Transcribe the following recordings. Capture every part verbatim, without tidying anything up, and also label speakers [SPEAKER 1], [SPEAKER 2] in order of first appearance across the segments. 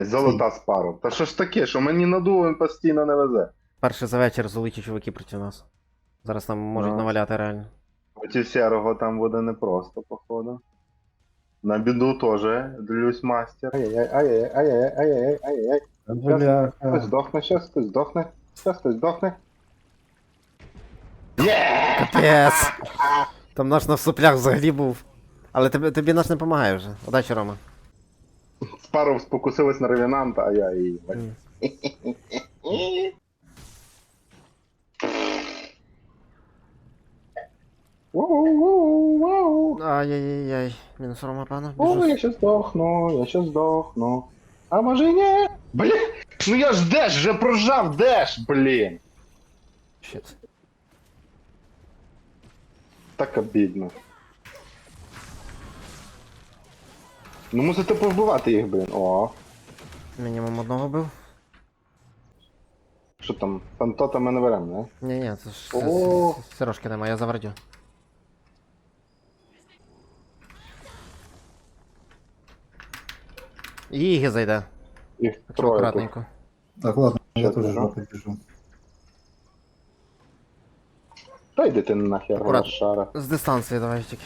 [SPEAKER 1] Золота спару. Та що ж таке, що мені надуло він постійно не везе.
[SPEAKER 2] Перший за вечір золоті чуваки проти нас. Зараз нам можуть
[SPEAKER 1] Ну.
[SPEAKER 2] наваляти реально.
[SPEAKER 1] Оті сірого там буде непросто, походу. На біду теж длюсь мастер. Ай-яй-яй, ай-яй-яй, ай-яй-яй, ай-яй-яй. Хтось
[SPEAKER 3] Бляха.
[SPEAKER 1] здохне, щас хтось здохне. Щас хтось здохне. Є!
[SPEAKER 2] Капець! Там наш на соплях взагалі був. Але тобі, тобі наш не допомагає вже. Удачі, Рома.
[SPEAKER 1] Спару спокусилась на ревенанта, а я її.
[SPEAKER 2] М.
[SPEAKER 1] Воу-воу-воу.
[SPEAKER 2] Ай-яй-яй-яй. Мінус Рома, пана.
[SPEAKER 1] О,
[SPEAKER 2] Біжу.
[SPEAKER 1] я щас здохну, я щас здохну. А може і ні? Блін, ну я ж деш, вже прожав деш, блін.
[SPEAKER 2] Щит.
[SPEAKER 1] Так обідно. Ну мусите повбивати їх, блін. О,
[SPEAKER 2] Мінімум одного бив.
[SPEAKER 1] що там, фантота ми не беремо, не?
[SPEAKER 2] Ні-ні, це ж
[SPEAKER 1] О.
[SPEAKER 2] це- це- Сирошки нема, я завардю. Іги зайде.
[SPEAKER 1] Їх
[SPEAKER 2] Так що
[SPEAKER 1] троє тут.
[SPEAKER 2] акуратненько.
[SPEAKER 3] Так, ладно, я
[SPEAKER 1] Щас
[SPEAKER 3] теж
[SPEAKER 1] біжу.
[SPEAKER 3] жопи біжу.
[SPEAKER 1] Та йди ти нахер,
[SPEAKER 2] Акурат.
[SPEAKER 1] шара.
[SPEAKER 2] З дистанції давай тільки.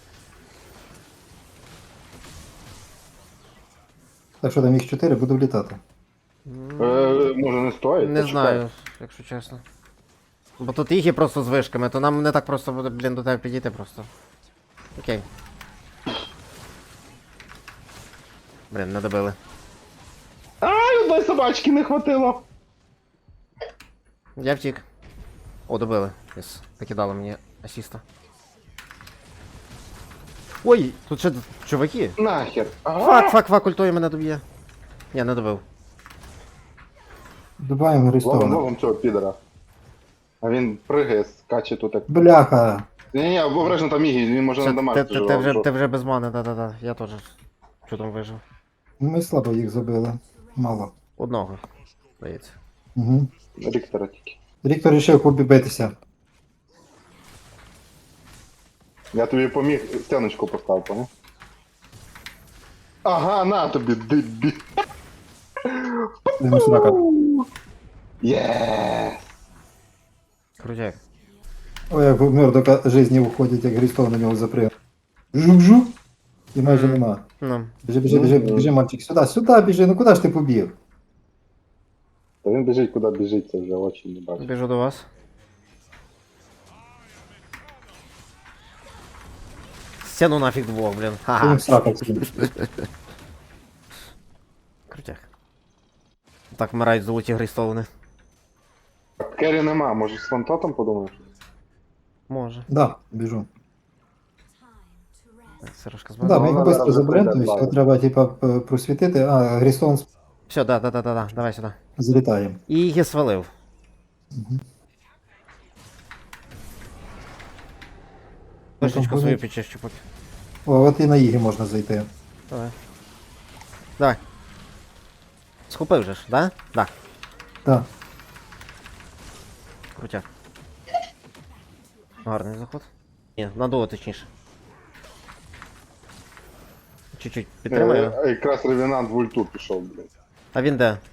[SPEAKER 3] Так що там їх чотири, буду влітати.
[SPEAKER 2] М,
[SPEAKER 1] Е, може не стоїть?
[SPEAKER 2] Не
[SPEAKER 1] Почекай.
[SPEAKER 2] знаю, якщо чесно. Бо тут їх є просто з вишками, то нам не так просто буде, блін, до тебе підійти просто. Окей. Блін, не добили.
[SPEAKER 1] Ай, одної собачки не хватило.
[SPEAKER 2] Я втік. О, добили. Єс. Покидали мені асіста. Ой, тут ще чуваки.
[SPEAKER 1] Нахер.
[SPEAKER 2] Фак, фак, фак, ультою мене доб'є. Я не добив.
[SPEAKER 3] Добавимо
[SPEAKER 1] Ловим,
[SPEAKER 3] Грістона.
[SPEAKER 1] ловим цього підера. А він пригає, скаче тут як...
[SPEAKER 3] Бляха!
[SPEAKER 1] Ні-ні, обережно там Ігі, він може
[SPEAKER 2] Все,
[SPEAKER 1] на
[SPEAKER 2] ти,
[SPEAKER 1] дамажити
[SPEAKER 2] ти, ти, вже,
[SPEAKER 1] живо.
[SPEAKER 2] ти вже без мани, да-да-да. Я теж чудом вижив.
[SPEAKER 3] Ми слабо їх забили. Мало.
[SPEAKER 2] Одного, здається.
[SPEAKER 3] Угу.
[SPEAKER 1] Ріктора тільки.
[SPEAKER 3] Ріктор рішив побітися.
[SPEAKER 1] Я тобі поміг стіночку поставив, поняв? Ага, на тобі, дебі.
[SPEAKER 3] Йому срака.
[SPEAKER 1] Є.
[SPEAKER 2] Крутяк.
[SPEAKER 3] Ой, як в Мердока житті виходить, як Грістон на нього заприв. Жук-жук. І майже нема.
[SPEAKER 2] Ну,
[SPEAKER 3] Біжи, біжи, біжи,
[SPEAKER 1] Ну,
[SPEAKER 3] біжи, мальчик, сюди, сюди біжи, ну куди ж ти побіг?
[SPEAKER 1] Та він біжить, куди біжить, це вже очі не бачить.
[SPEAKER 2] біжу до вас. Стяну нафіг двох, блін.
[SPEAKER 3] Ти
[SPEAKER 2] Ха-ха.
[SPEAKER 3] їм срака сидить.
[SPEAKER 2] Крутяк. Так вмирають золоті грейстоуни.
[SPEAKER 1] Керрі нема, може з фантотом подумаєш?
[SPEAKER 2] Може.
[SPEAKER 3] Да, біжу.
[SPEAKER 2] Так, Сирошка з
[SPEAKER 3] Ну да, ми
[SPEAKER 2] мене.
[SPEAKER 3] його
[SPEAKER 1] зараз
[SPEAKER 3] швидко
[SPEAKER 1] вже
[SPEAKER 3] заберемо,
[SPEAKER 1] прийде,
[SPEAKER 3] тобто
[SPEAKER 1] да.
[SPEAKER 3] його треба, типа, п- просвітити, а Грістон
[SPEAKER 2] Все, да, да, да, да, да. Давай сюди.
[SPEAKER 3] злітає.
[SPEAKER 2] І її свалив.
[SPEAKER 3] Угу.
[SPEAKER 2] Вишечку свою
[SPEAKER 3] ходить?
[SPEAKER 2] підчищу поки.
[SPEAKER 3] О, от і на Ігі можна зайти.
[SPEAKER 2] Давай. Давай. Схопив же ж, да? Да.
[SPEAKER 3] Так.
[SPEAKER 2] Крутяк. Гарний заход. Ні, надуло точніше. Чуть-чуть підтримаю.
[SPEAKER 1] Е, Якраз ревенант в ульту пішов, блін.
[SPEAKER 2] А він де?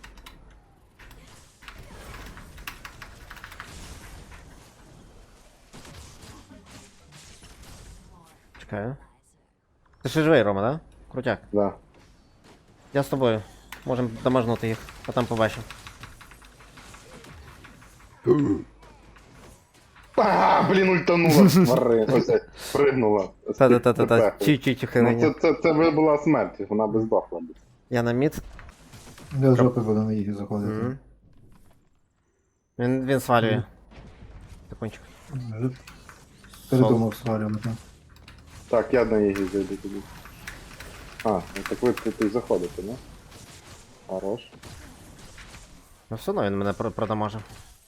[SPEAKER 2] Чекаю. Ти ще живий, Рома, да? Крутяк.
[SPEAKER 1] Да.
[SPEAKER 2] Я з тобою. Можемо дамажнути їх, а там побачимо.
[SPEAKER 1] А, блін, ультанула, твари. Ось, е, пригнула.
[SPEAKER 2] Та-та-та-та-та. Чуть-чуть
[SPEAKER 1] Ну,
[SPEAKER 2] ухилення.
[SPEAKER 1] це, це, це вже була смерть, вона би здохла. б.
[SPEAKER 2] Я на мід.
[SPEAKER 3] Я з жопи буду на Ігі заходити.
[SPEAKER 2] Мгм. Він, він свалює. Секундчик.
[SPEAKER 3] Вже Передумав свалювати.
[SPEAKER 1] Так, я на її зайду тоді. А, ну так ви тут і заходите, не? Хорош.
[SPEAKER 2] Ну все одно він мене про- продамажив.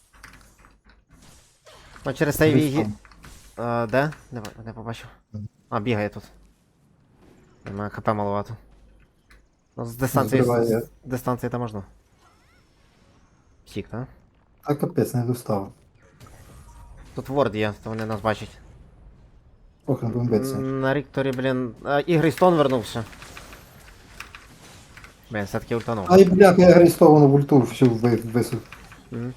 [SPEAKER 2] Ну через цей вігі. А, де? Не, ба- не побачив. А, бігає тут. У мене хп маловато. Ну, з дистанції.
[SPEAKER 3] Збиває.
[SPEAKER 2] З дистанції там можна. Сік, так?
[SPEAKER 3] А капець, не достав.
[SPEAKER 2] Тут ворд є, то вони нас бачать.
[SPEAKER 3] Ох, не будемо битися.
[SPEAKER 2] На Рікторі, блін. А, і Грейстон вернувся. Блін, все-таки ультанув.
[SPEAKER 3] Ай, бляха, я Грейстовану в ульту всю ви- висув.
[SPEAKER 2] Мгм.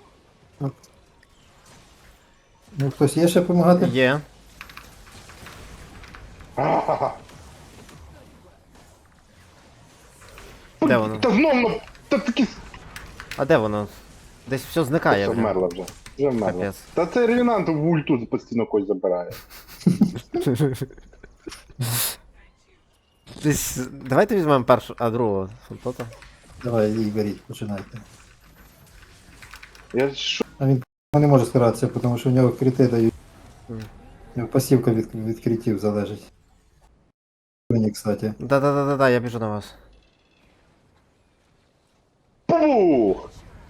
[SPEAKER 3] Ну, хтось є ще допомагати?
[SPEAKER 2] Є.
[SPEAKER 1] Ха-ха-ха.
[SPEAKER 2] Де воно?
[SPEAKER 1] Та знов, ну, та такі...
[SPEAKER 2] А де воно? Десь все зникає
[SPEAKER 1] Все
[SPEAKER 2] вже.
[SPEAKER 1] вмерла вже. Вже вмерла.
[SPEAKER 2] Капець.
[SPEAKER 1] Та це ревінант в ульту постійно когось забирає.
[SPEAKER 2] Десь. Давайте візьмемо першу, а другого фонтота.
[SPEAKER 3] Давай, їй беріть, починайте.
[SPEAKER 1] Я що?
[SPEAKER 3] А він не може старатися, тому що в нього крити дають.
[SPEAKER 2] Мгм.
[SPEAKER 3] У нього пасівка від, від критів залежить. Мені, кстати.
[SPEAKER 2] Да-да-да-да, я біжу на вас.
[SPEAKER 1] Пух!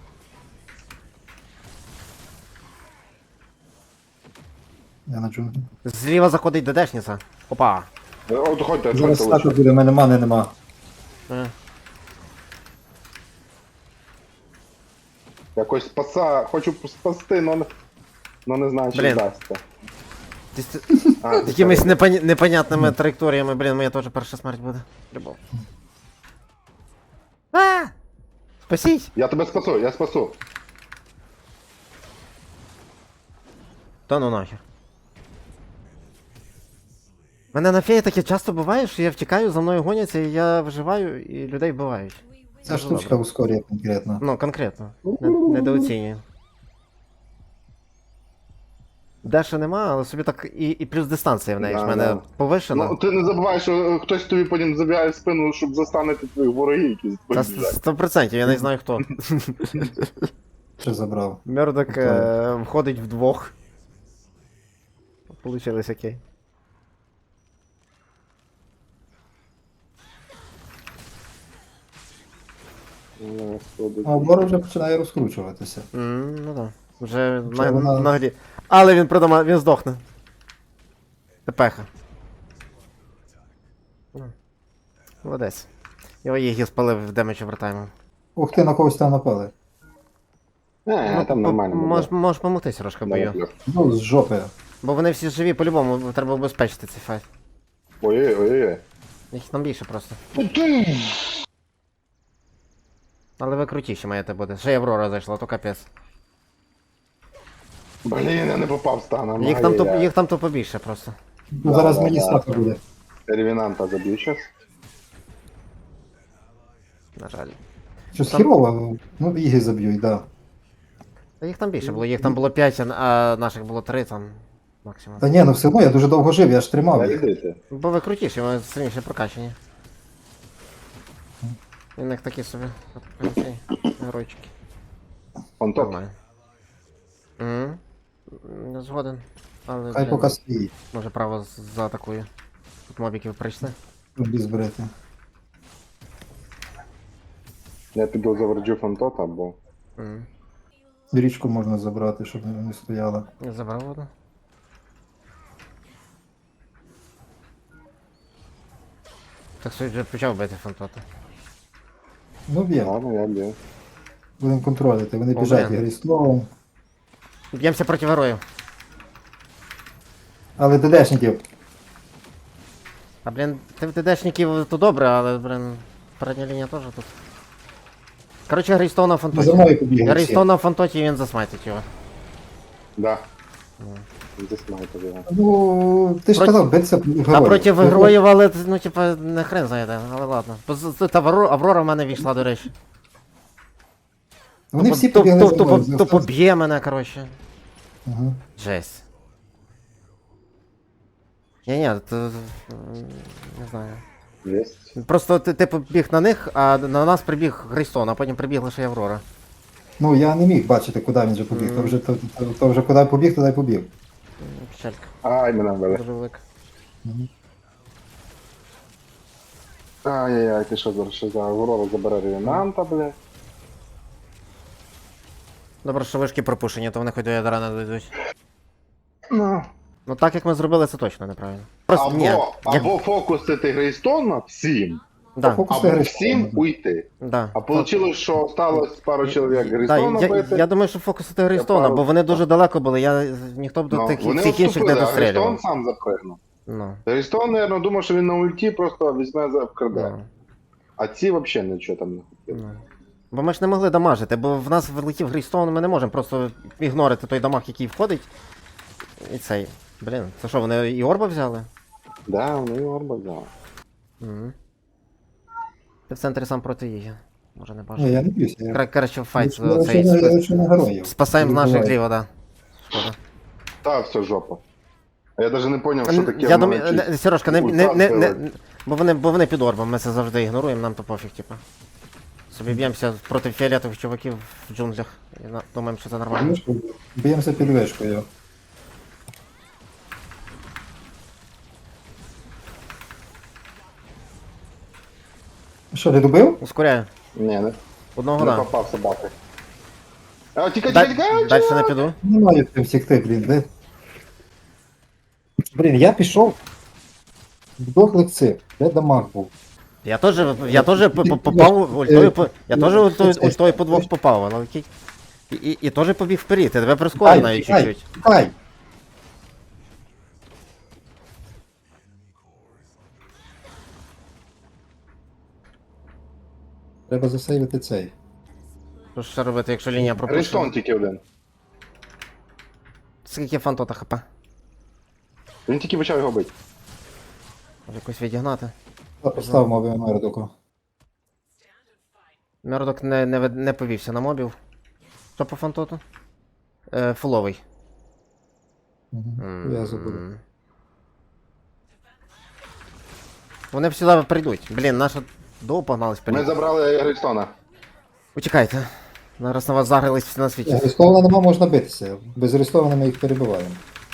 [SPEAKER 3] Я на джунглі.
[SPEAKER 2] Зліва заходить ДДшниця. Опа.
[SPEAKER 1] От ходьте,
[SPEAKER 3] Зараз
[SPEAKER 1] ходьте
[SPEAKER 3] стака
[SPEAKER 1] лише.
[SPEAKER 3] буде, в мене мани нема.
[SPEAKER 2] Е.
[SPEAKER 1] Якось спаса, хочу спасти, но не, но не знаю, чи
[SPEAKER 2] Блін.
[SPEAKER 1] вдасться.
[SPEAKER 2] Десь ти-
[SPEAKER 1] А,
[SPEAKER 2] Якимись непоня... непонятними траєкторіями, блін, моя теж перша смерть буде. Любов. А! Спасіть!
[SPEAKER 1] Я тебе спасу, я спасу.
[SPEAKER 2] Та ну нахер. Мене на феї таке часто буває, що я втікаю, за мною гоняться, і я виживаю, і людей вбивають.
[SPEAKER 3] Ця
[SPEAKER 2] Дуже
[SPEAKER 3] штучка
[SPEAKER 2] добре.
[SPEAKER 3] ускорює конкретно.
[SPEAKER 2] Ну, конкретно. Не- Недооцінюю. Деша нема, але собі так і, і плюс дистанція в неї ж в
[SPEAKER 1] Да,
[SPEAKER 2] мене
[SPEAKER 1] да.
[SPEAKER 2] повишена.
[SPEAKER 1] Ну, ти не забувай, що хтось тобі потім забігає в спину, щоб застанити твоїх ворогів, які за
[SPEAKER 2] Та
[SPEAKER 1] тобою біжать.
[SPEAKER 2] сто процентів, я не знаю хто.
[SPEAKER 3] Ще забрав.
[SPEAKER 2] Мердок е, входить вдвох. Получилось окей.
[SPEAKER 1] Ну, господи.
[SPEAKER 3] А обор вже починає розкручуватися.
[SPEAKER 2] М, ну да. Вже
[SPEAKER 3] Вже
[SPEAKER 2] на,
[SPEAKER 3] вона-
[SPEAKER 2] на грі. Але він продама, він здохне. Тепеха. Ну. Молодець. Його їх спалив в демедж овертайму.
[SPEAKER 3] Ух ти, на когось там напали.
[SPEAKER 1] Не, там нормально.
[SPEAKER 2] Ну, Можеш мож помогти трошки бою.
[SPEAKER 1] буде.
[SPEAKER 3] Ну, з жопи.
[SPEAKER 2] Бо вони всі живі по-любому, треба обезпечити цей файт.
[SPEAKER 1] Ой-ой-ой.
[SPEAKER 2] Їх там більше просто. Але ви крутіші маєте бути. Ще й Аврора зайшла, то капець.
[SPEAKER 1] Блін, я не попав станом.
[SPEAKER 2] Їх там, то,
[SPEAKER 1] Ай-яй-яй.
[SPEAKER 2] їх там то побільше просто.
[SPEAKER 3] Ну, зараз
[SPEAKER 1] да,
[SPEAKER 3] мені
[SPEAKER 1] да.
[SPEAKER 3] стака буде.
[SPEAKER 1] Ревінанта заб'ю щас.
[SPEAKER 2] На жаль.
[SPEAKER 3] Щось
[SPEAKER 2] Там-
[SPEAKER 3] хірово, ну біги заб'ють, да.
[SPEAKER 2] Та їх там більше було, їх там було п'ять, а наших було три там максимум.
[SPEAKER 3] Та ні, ну все одно я дуже довго жив, я ж тримав їх.
[SPEAKER 1] Йдите.
[SPEAKER 2] Бо ви крутіші, ви сильніше прокачані. І в них такі собі ці геройчики.
[SPEAKER 1] Он топ.
[SPEAKER 2] Нормально. Мгм. Не згоден. Але
[SPEAKER 3] Хай
[SPEAKER 2] блін,
[SPEAKER 3] поки стоїть,
[SPEAKER 2] може право з- заатакує. Тут мобіків прийшли.
[SPEAKER 3] без зберете.
[SPEAKER 1] Я піду заверджу фантота, бо...
[SPEAKER 2] Мгм.
[SPEAKER 3] Річку можна забрати, щоб не стояла.
[SPEAKER 2] Я забрав одну. Так суть вже почав бити фантота.
[SPEAKER 3] Ну б'ємо,
[SPEAKER 1] Ладно, я б'ю.
[SPEAKER 3] будемо контролити. Вони
[SPEAKER 2] О,
[SPEAKER 3] біжать
[SPEAKER 2] блін.
[SPEAKER 3] грісловом.
[SPEAKER 2] Б'ємося проти героїв.
[SPEAKER 3] Але ДДшників.
[SPEAKER 2] А блін, ти в ДДшників то добре, але, блін, передня лінія теж тут. Коротше, Грейстоун на
[SPEAKER 3] За
[SPEAKER 2] фантоті.
[SPEAKER 3] мною побігли всі.
[SPEAKER 2] Грейстоун на фантоті, він засмайтить його.
[SPEAKER 1] Да.
[SPEAKER 2] Ну.
[SPEAKER 1] Здесь маєте його.
[SPEAKER 3] Ну, ти ж
[SPEAKER 2] Проти-
[SPEAKER 3] казав, биться героїв.
[SPEAKER 2] А проти героїв, але, ну, типа, не хрен знає де, але ладно. Бо з- Тут Аврора, Аврора в мене війшла, до речі.
[SPEAKER 3] Вони всі
[SPEAKER 2] то,
[SPEAKER 3] побігли
[SPEAKER 2] то,
[SPEAKER 3] за
[SPEAKER 2] то,
[SPEAKER 3] мною.
[SPEAKER 2] то, то поб'є мене, коротше.
[SPEAKER 3] Ага.
[SPEAKER 2] Жесть. Ні-ні, то, м, не знаю.
[SPEAKER 1] Єсть.
[SPEAKER 2] Просто ти, ти побіг на них, а на нас прибіг Грейстон, а потім прибігла ще й Аврора.
[SPEAKER 3] Ну, я не міг бачити, куди він вже побіг. То вже, то, то, то вже куди побіг, туди й побіг.
[SPEAKER 2] М, Печалька.
[SPEAKER 1] Ай, мене вбили.
[SPEAKER 2] Дуже велика.
[SPEAKER 3] Мгм.
[SPEAKER 1] Ай-яй-яй, ти що зараз ще за Аврора забере ревінанта, бля.
[SPEAKER 2] Добре, що вишки пропущені, то вони хоч до ядра не дойдуть.
[SPEAKER 1] Ну.
[SPEAKER 2] Ну так як ми зробили, це точно неправильно. Просто ні.
[SPEAKER 1] Або,
[SPEAKER 2] Як...
[SPEAKER 1] або фокусити Грейстона всім,
[SPEAKER 2] Да,
[SPEAKER 3] Фокус
[SPEAKER 1] або
[SPEAKER 3] гри
[SPEAKER 1] всім
[SPEAKER 3] можна.
[SPEAKER 1] уйти.
[SPEAKER 2] да.
[SPEAKER 1] А вийшло, що осталось пару чоловік
[SPEAKER 2] Да,
[SPEAKER 1] Грейстона
[SPEAKER 2] я,
[SPEAKER 1] бити.
[SPEAKER 2] я думаю, що фокусити Грейстона,
[SPEAKER 1] пару-
[SPEAKER 2] бо вони дуже далеко були, я, ніхто б до
[SPEAKER 1] Ну,
[SPEAKER 2] тих,
[SPEAKER 1] вони
[SPEAKER 2] цих інших не
[SPEAKER 1] відступили, а Грейстон
[SPEAKER 2] дострілював.
[SPEAKER 1] сам запригнув.
[SPEAKER 2] Ну,
[SPEAKER 1] Грейстон, мабуть, думав, що він на ульті просто візьме за вкраде.
[SPEAKER 2] ну.
[SPEAKER 1] А ці взагалі нічого там не хотіли.
[SPEAKER 2] Ну. Бо ми ж не могли дамажити, бо в нас влетів Грейстоун, ми не можемо просто ігнорити той дамаг, який входить. І цей. Блін, це що, вони і орба взяли?
[SPEAKER 1] Да, вони орба взяли.
[SPEAKER 2] Угу. Ти в центрі сам проти її. Може не
[SPEAKER 3] Ні,
[SPEAKER 2] бачу.
[SPEAKER 3] я не б'юся. Я...
[SPEAKER 2] Кра- Краще в файт
[SPEAKER 3] Я
[SPEAKER 2] цей.
[SPEAKER 3] лише на- я
[SPEAKER 2] спас-
[SPEAKER 3] лише на героїв.
[SPEAKER 2] Спасаємо з
[SPEAKER 3] Не
[SPEAKER 2] наших
[SPEAKER 3] буває.
[SPEAKER 2] ліво, да. Шкода.
[SPEAKER 1] Та, все жопа. А я навіть не зрозумів, що таке.
[SPEAKER 2] Я
[SPEAKER 1] в
[SPEAKER 2] думаю,
[SPEAKER 1] мене
[SPEAKER 2] не- Сережка, не,
[SPEAKER 1] ультра
[SPEAKER 2] не, не, не,
[SPEAKER 1] сила.
[SPEAKER 2] бо вони, бо вони під орбом, ми це завжди ігноруємо, нам то пофіг, типу. Собі б'ємося проти фіолетових чуваків в джунглях. І на- думаємо, що це нормально.
[SPEAKER 3] Вишку. Б'ємося під вишкою. Що, ти добив?
[SPEAKER 2] Ускоряю.
[SPEAKER 1] Ні, не,
[SPEAKER 2] Одного
[SPEAKER 1] не
[SPEAKER 2] да.
[SPEAKER 1] попав собаки. А, тікай, тікай, тікай!
[SPEAKER 2] Далі не піду.
[SPEAKER 3] Не маю цим втекти, блін, де? Блін, я пішов в дохлих цих, де дамаг був.
[SPEAKER 2] Я теж, я теж по- по- попав ультою по. Я теж ультою, ультою по двох попав, але окей. І, і, і теж побіг вперед, я тебе прискорив
[SPEAKER 3] Тікай,
[SPEAKER 2] навіть
[SPEAKER 3] тікай,
[SPEAKER 2] чуть-чуть.
[SPEAKER 3] тікай! Треба засейвити цей.
[SPEAKER 2] Що ж ще робити, якщо лінія
[SPEAKER 1] Грейстон
[SPEAKER 2] пропущена?
[SPEAKER 1] тільки один.
[SPEAKER 2] Скільки фантота хп?
[SPEAKER 1] Він тільки почав його бити.
[SPEAKER 2] Може якось відігнати.
[SPEAKER 3] Постав моби Мердоку.
[SPEAKER 2] Мердок не, не, вед- не повівся на мобів. Що по фантоту? Е, фуловий.
[SPEAKER 3] Угу. Я забуду.
[SPEAKER 2] М. Вони всі прийдуть. Блін, наша довго погнались
[SPEAKER 1] Ми
[SPEAKER 2] вперед.
[SPEAKER 1] забрали Грейстона.
[SPEAKER 2] Учекайте. Зараз на вас загрились всі на світі.
[SPEAKER 3] Арестована нема, можна битися. Без арестованих ми їх перебиваємо.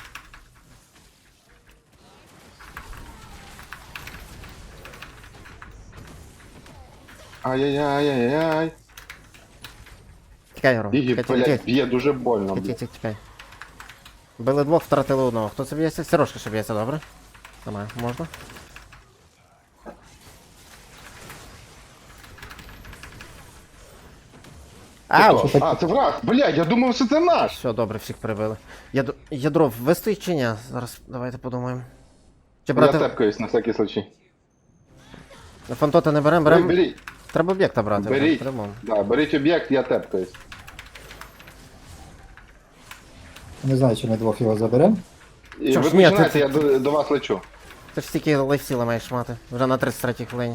[SPEAKER 1] Ай-яй-яй-яй-яй.
[SPEAKER 2] Тікай, Гром.
[SPEAKER 1] Бігі,
[SPEAKER 2] Тікай, тікай,
[SPEAKER 1] блядь,
[SPEAKER 2] тікай.
[SPEAKER 1] б'є дуже больно.
[SPEAKER 2] Тікай,
[SPEAKER 1] блядь.
[SPEAKER 2] тікай, тікай. Били двох, втратили одного. Хто це б'ється? Сережка ще б'ється, добре? Нормально, можна. Ау!
[SPEAKER 3] Що так?
[SPEAKER 1] А, це враг! Блядь, я думав, що це наш!
[SPEAKER 2] Все, добре, всіх прибили. Ядро, ядро вистоїть чи ні? Зараз давайте подумаємо. Чи
[SPEAKER 1] Я
[SPEAKER 2] брати.
[SPEAKER 1] тепкаюсь на всякий случай.
[SPEAKER 2] Фантота не беремо,
[SPEAKER 1] Беріть,
[SPEAKER 2] беремо.
[SPEAKER 1] беріть.
[SPEAKER 2] Треба об'єкта брати.
[SPEAKER 1] Беріть.
[SPEAKER 2] По-любому.
[SPEAKER 1] Да, беріть об'єкт, я тепкаюсь.
[SPEAKER 3] Не знаю, чи ми двох його заберемо.
[SPEAKER 1] І
[SPEAKER 2] Чо
[SPEAKER 1] ви
[SPEAKER 2] ж, ні,
[SPEAKER 1] починаєте,
[SPEAKER 2] ти-
[SPEAKER 1] я до, до вас лечу.
[SPEAKER 2] Ти ж стільки лайфсіла маєш мати. Вже на тридцять третій хвилині.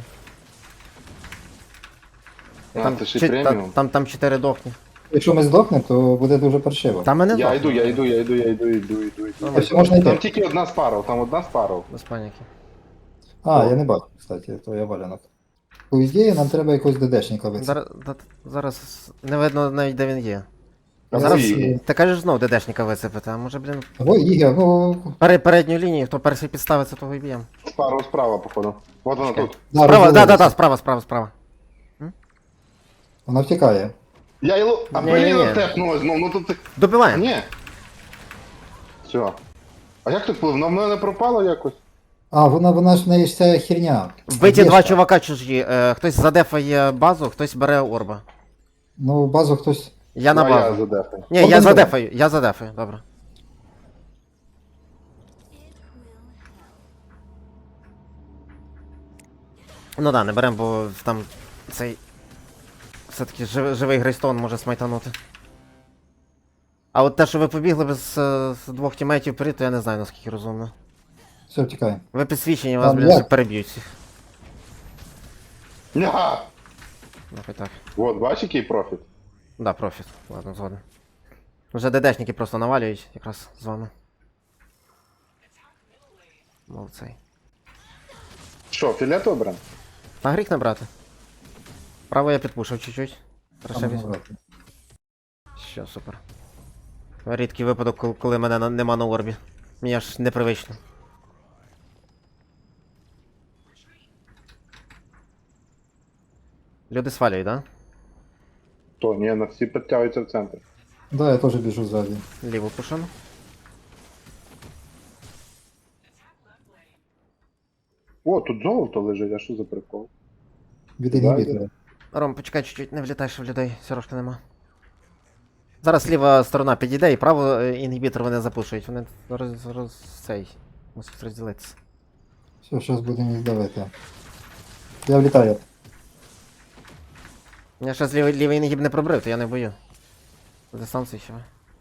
[SPEAKER 1] А, це ще й
[SPEAKER 2] чи- та-
[SPEAKER 1] преміум.
[SPEAKER 2] там, там чотири дохні.
[SPEAKER 3] Якщо ми здохнемо, то буде дуже паршиво.
[SPEAKER 2] Там мене
[SPEAKER 1] Я
[SPEAKER 2] дохне.
[SPEAKER 1] йду, я йду, я йду, я йду, я йду, йду, йду.
[SPEAKER 3] Якщо можна
[SPEAKER 1] Там
[SPEAKER 3] йти.
[SPEAKER 1] тільки одна спаров, там одна спаров.
[SPEAKER 2] Без паніки.
[SPEAKER 3] А, я не бачу, кстати, то я валянок. По ідеї, нам треба якогось ДДшника вицепити.
[SPEAKER 2] Зараз, да- зараз не видно навіть де він є.
[SPEAKER 1] А
[SPEAKER 2] Зараз
[SPEAKER 1] ви її.
[SPEAKER 2] ти кажеш знов ДДшника вицепити, а може, блін.
[SPEAKER 3] Ой, Ігор, ну...
[SPEAKER 2] Пере, передню лінію, хто перший підставиться, того і б'єм.
[SPEAKER 1] Спаров справа, походу. Вот вона
[SPEAKER 2] Чекай.
[SPEAKER 1] тут.
[SPEAKER 3] Да,
[SPEAKER 2] Справа, да, да,
[SPEAKER 3] розвалилися.
[SPEAKER 2] да, справа, справа, справа.
[SPEAKER 3] Вона втікає.
[SPEAKER 1] Я його... А
[SPEAKER 2] Ні-ні-ні.
[SPEAKER 1] блін, тепнула знов, ну тут... А,
[SPEAKER 2] Добиваємо.
[SPEAKER 1] ні. Все. А як так вплив? На мене пропало якось?
[SPEAKER 3] А, вона, вона ж в неї ж ця херня.
[SPEAKER 2] Вбиті
[SPEAKER 3] Є
[SPEAKER 2] два
[SPEAKER 3] ж.
[SPEAKER 2] чувака чужі. Е, хтось задефає базу, хтось бере орба.
[SPEAKER 3] Ну, базу хтось...
[SPEAKER 2] Я на
[SPEAKER 1] Ну, а я
[SPEAKER 2] базу.
[SPEAKER 1] задефаю.
[SPEAKER 2] Ні, я
[SPEAKER 3] Один
[SPEAKER 2] задефаю, я задефаю, добре. Ну да, не берем, бо там цей. Все-таки жив, живий Грейстон може смайтанути. А от те, що ви побігли без е, з двох тімейтів вперед, то я не знаю наскільки розумно.
[SPEAKER 3] Все, втікає.
[SPEAKER 2] Ви підсвічені, вас,
[SPEAKER 3] Там
[SPEAKER 2] блін,
[SPEAKER 3] як?
[SPEAKER 2] всіх переб'ють всіх.
[SPEAKER 1] Ня!
[SPEAKER 2] Ну, хай так.
[SPEAKER 1] Вот, бачиш, який профіт?
[SPEAKER 2] Да, профіт. Ладно, згоден. Вже ДДшники просто навалюють якраз з вами. Молодцей.
[SPEAKER 1] Що, філетовий бренд?
[SPEAKER 2] А гріх не брати. Право я підпушив чуть-чуть. Хорошо
[SPEAKER 3] Там
[SPEAKER 2] візьму.
[SPEAKER 3] грати.
[SPEAKER 2] Що, супер. Рідкий випадок, кол- коли мене на- нема на орбі. Мені аж непривично. Люди свалюють, да?
[SPEAKER 1] То, ні, на всі підтягуються в центр.
[SPEAKER 3] Да, я теж біжу ззаді.
[SPEAKER 2] Ліву пушину.
[SPEAKER 1] О, тут золото лежить, а що за прикол?
[SPEAKER 3] Від
[SPEAKER 1] Да,
[SPEAKER 3] інгібітора.
[SPEAKER 2] Ром, почекай чуть-чуть, не влітай, що в людей. Сірошки нема. Зараз ліва сторона підійде і право е, інгібітор вони запушують. Вони роз, роз, цей. Мусять розділитися.
[SPEAKER 3] Все, зараз будемо їх давити. Я влітаю.
[SPEAKER 2] Я ще з лівий, лівий нагіб не пробрив, то я не бою. Дистанції ще.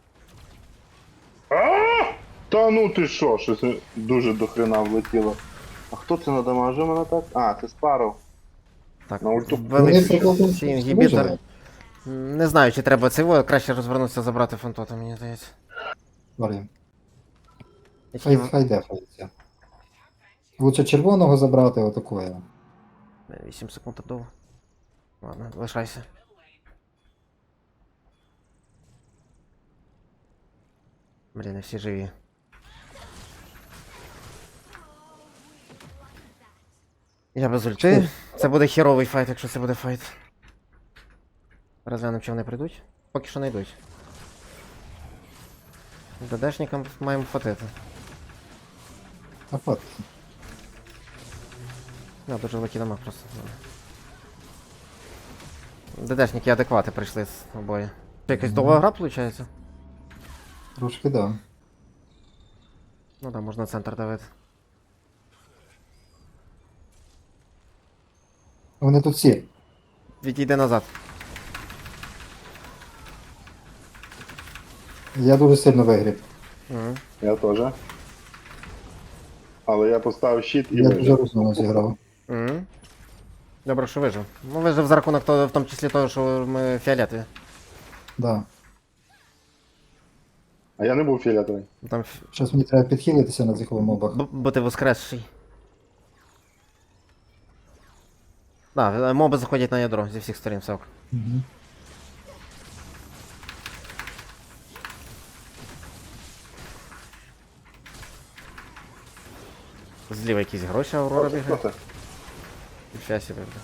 [SPEAKER 1] А! Та ну ти що, щось дуже до хрена влетіло. А хто це надамажив мене так? А, це Спаров.
[SPEAKER 2] Так,
[SPEAKER 1] На ульту.
[SPEAKER 2] ввели
[SPEAKER 3] Вони
[SPEAKER 2] всі
[SPEAKER 3] прикол-
[SPEAKER 2] всі інгібітори.
[SPEAKER 3] виживе.
[SPEAKER 2] М, Не знаю, чи треба цього, краще розвернутися забрати фантота, мені здається.
[SPEAKER 3] Варі.
[SPEAKER 2] Я
[SPEAKER 3] Хай,
[SPEAKER 2] тільки
[SPEAKER 3] хай дефається. Лучше червоного забрати отакое.
[SPEAKER 2] вісім секунд довго. Ладно, лишайся. Блін, не всі живі. Я без ульти. Це буде херовий файт, якщо це буде файт. Розглянемо, чи вони прийдуть. Поки що не йдуть. ДДшникам маємо хватити.
[SPEAKER 3] А от.
[SPEAKER 2] Ну, дуже великий дамаг просто. ДДшники адеквати прийшли з обоє. Це якась довга гра, виходить?
[SPEAKER 3] Трошки да.
[SPEAKER 2] Ну да, можна центр давити.
[SPEAKER 3] Вони тут всі.
[SPEAKER 2] Відійди назад.
[SPEAKER 3] Я дуже сильно вигріб.
[SPEAKER 2] Угу.
[SPEAKER 1] Я теж. Але я поставив щит і
[SPEAKER 3] Я дуже
[SPEAKER 1] вижив.
[SPEAKER 3] розумно зіграв.
[SPEAKER 2] Угу. Добре, що вижив. Ну вижив за рахунок того, в тому числі того, що ми фіолетові.
[SPEAKER 3] Да.
[SPEAKER 1] А я не був фіолетовий.
[SPEAKER 2] Там ф...
[SPEAKER 3] Зараз мені треба підхилитися на цих мобах.
[SPEAKER 2] б- бути воскресший. Да, моби заходять на ядро зі всіх сторін, все ок.
[SPEAKER 3] Угу.
[SPEAKER 2] Зліва якісь гроші Аурора
[SPEAKER 1] Хто
[SPEAKER 2] бігає.
[SPEAKER 1] це?
[SPEAKER 2] Ніфіга себе, бля.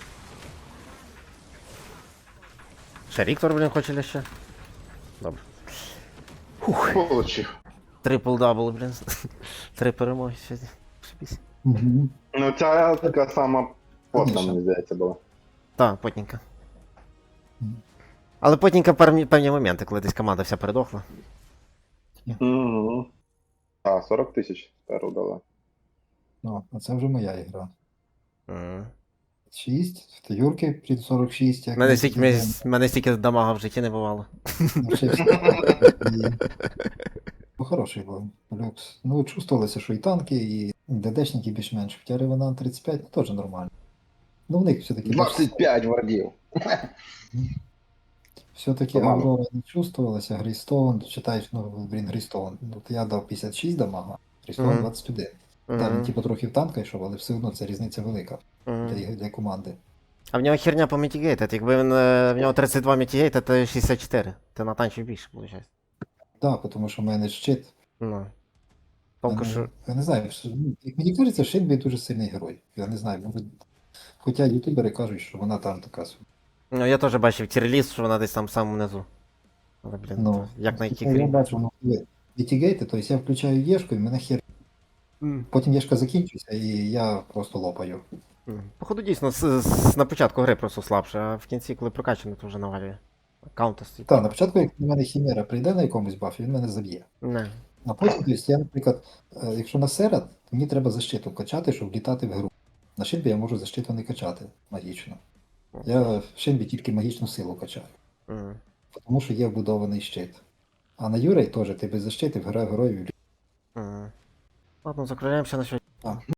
[SPEAKER 2] Ще Ріктор, блін, хоче ли ще? Добре.
[SPEAKER 1] Получив.
[SPEAKER 2] Трипл дабл, блін. Три перемоги сьогодні. Шибісь.
[SPEAKER 3] Угу.
[SPEAKER 1] Ну ця така сама потна,
[SPEAKER 3] Конечно.
[SPEAKER 1] мені здається, була.
[SPEAKER 2] Так, потненька.
[SPEAKER 3] Мгм.
[SPEAKER 2] Але потненька певні, певні моменти, коли десь команда вся передохла.
[SPEAKER 1] Угу. А, сорок тисяч сперу дала.
[SPEAKER 3] Ну, а це вже моя ігра.
[SPEAKER 2] Мгм.
[SPEAKER 3] шість, в Юрки при сорок шість. як
[SPEAKER 2] Мене
[SPEAKER 3] ми
[SPEAKER 2] стільки,
[SPEAKER 3] тільки
[SPEAKER 2] мене, мене стільки дамага в житті не бувало.
[SPEAKER 3] навчився. І- Ну, хороший був. Люкс. Ну, чувствувалося, що і танки, і ДДшники більш-менш. Хоча Ревенант тридцять п'ять, ну, теж нормально. Ну, в них все-таки...
[SPEAKER 1] двадцять п'ять вардів.
[SPEAKER 3] Все-таки
[SPEAKER 1] Помалу.
[SPEAKER 3] Аврора не чувствувалася, Грейстоун, читаєш, ну, блін, Грейстоун. От я дав п'ятдесят шість дамага, Грейстоун
[SPEAKER 2] Мгм.
[SPEAKER 3] двадцять один. Так,
[SPEAKER 2] Мгм.
[SPEAKER 3] він типу трохи в танка йшов, але все одно це різниця велика
[SPEAKER 2] Мгм.
[SPEAKER 3] для, ігри- для команди.
[SPEAKER 2] А в нього херня по мітігейтед. Якби він, е, в нього тридцять два мітігейта, то шістдесят чотири. Ти натанчив більше, виходить.
[SPEAKER 3] Так, тому що в мене щит.
[SPEAKER 2] Ну. Толку,
[SPEAKER 3] Я
[SPEAKER 2] що...
[SPEAKER 3] не, я не знаю, що- ну, як мені кажеться, Шельбі дуже сильний герой. Я не знаю, може, хоча ютубери кажуть, що вона там така собі.
[SPEAKER 2] Ну, я теж бачив тірліст, що вона десь там в самому низу. Але, блін,
[SPEAKER 3] Ну,
[SPEAKER 2] то як на яких
[SPEAKER 3] я
[SPEAKER 2] рівнях.
[SPEAKER 3] бачу, ну, коли вітігейти, тобто я включаю Єшку і мене хер. Потім Єшка закінчується і я просто лопаю.
[SPEAKER 2] М. Походу, дійсно, з, з, на початку гри просто слабше, а в кінці, коли прокачано, то вже навалює. Каунта стоїть.
[SPEAKER 3] Так, на початку, як на мене Хімера прийде на якомусь бафі, він мене заб'є.
[SPEAKER 2] Не.
[SPEAKER 3] А потім, тобто, я, наприклад, е, якщо на серед, мені треба защиту качати, щоб літати в гру. На Шинбі я можу защиту не качати магічно. Я в Шинбі тільки магічну силу качаю,
[SPEAKER 2] М.
[SPEAKER 3] тому що є вбудований щит. А на Юрей теж ти без защити гра героїв.
[SPEAKER 2] М. Ладно, закругляємося на сьогодні.
[SPEAKER 3] А,